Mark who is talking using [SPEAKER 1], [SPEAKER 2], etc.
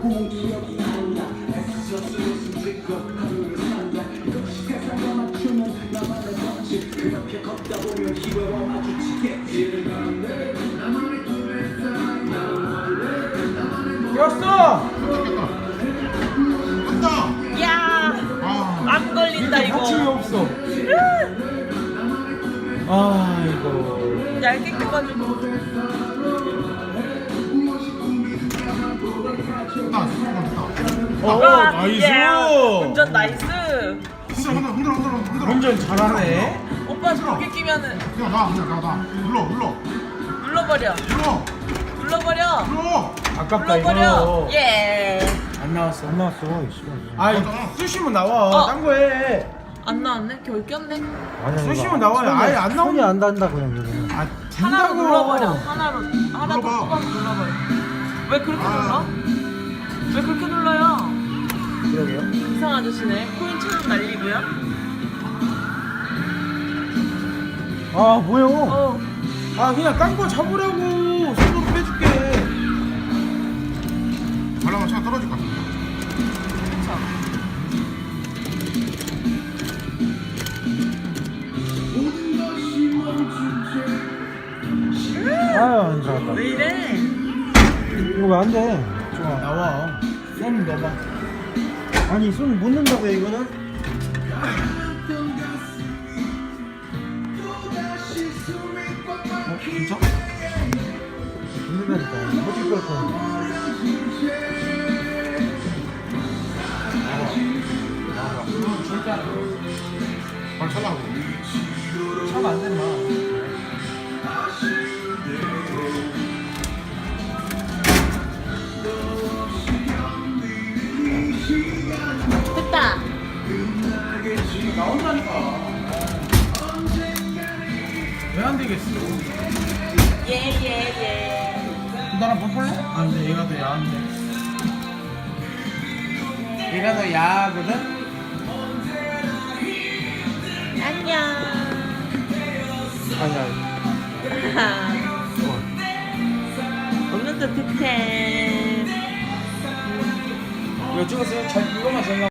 [SPEAKER 1] 왔어.
[SPEAKER 2] 야, 안 걸린다 이거.
[SPEAKER 1] 받침이 없어. 아 이거.
[SPEAKER 2] 얇게 껴가지고.
[SPEAKER 1] 나이스.
[SPEAKER 2] 예. 운전 나이스.
[SPEAKER 1] 운전 잘하네.
[SPEAKER 2] 오빠 저렇게 끼면은 눌러버려. 눌러버려.
[SPEAKER 1] 아깝다
[SPEAKER 2] 눌러버려.
[SPEAKER 1] 이거.
[SPEAKER 2] 예.
[SPEAKER 1] 안 나왔어.
[SPEAKER 3] 안 나왔어.
[SPEAKER 1] 아이 쑤시면 나와. 딴 거 해.
[SPEAKER 2] 안 나왔네? 겨울 꼈네?
[SPEAKER 3] 아니
[SPEAKER 1] 쑤시면 나와요. 아예 안
[SPEAKER 3] 손이
[SPEAKER 1] 나오냐?
[SPEAKER 3] 안 닿는다 그냥 이거는.
[SPEAKER 1] 아
[SPEAKER 2] 하나로
[SPEAKER 1] 된다고.
[SPEAKER 2] 눌러버려. 하나 더 뽑아서 눌러버려. 왜 그렇게 눌러? 왜 그렇게 눌러요?
[SPEAKER 3] 그러게요.
[SPEAKER 2] 이상 아저씨네. 코인 천원 날리고요.
[SPEAKER 3] 아 뭐요?
[SPEAKER 1] 아 그냥 딴 거 잡으라고. 손으로 빼줄게.
[SPEAKER 4] 발라면 차가 떨어질 것 같아.
[SPEAKER 2] 그쵸.
[SPEAKER 3] 아유 안 나왔다.
[SPEAKER 2] 왜 이래?
[SPEAKER 3] 이거 왜 안 돼?
[SPEAKER 1] 좋아 나와. 손 넣어봐.
[SPEAKER 3] 아니 손 못 넣는다고요 이거는?
[SPEAKER 1] 진짜?
[SPEAKER 3] 못 넣는다니까. 어쩔 걸 거야.
[SPEAKER 1] 절대 안 돼.
[SPEAKER 4] 발 찰라고.
[SPEAKER 1] 차면 안 된다.
[SPEAKER 2] 됐다.
[SPEAKER 1] 나온다니까. 왜 안 되겠어?
[SPEAKER 2] 예.
[SPEAKER 1] 나랑 바꿀래? 안 돼. 얘가 더 야한데. 얘가 더 야하거든?
[SPEAKER 2] 안녕.
[SPEAKER 3] 아니
[SPEAKER 2] 오늘도 득템.
[SPEAKER 1] 이거 찍었어요? 잘 이거만 잘 나와.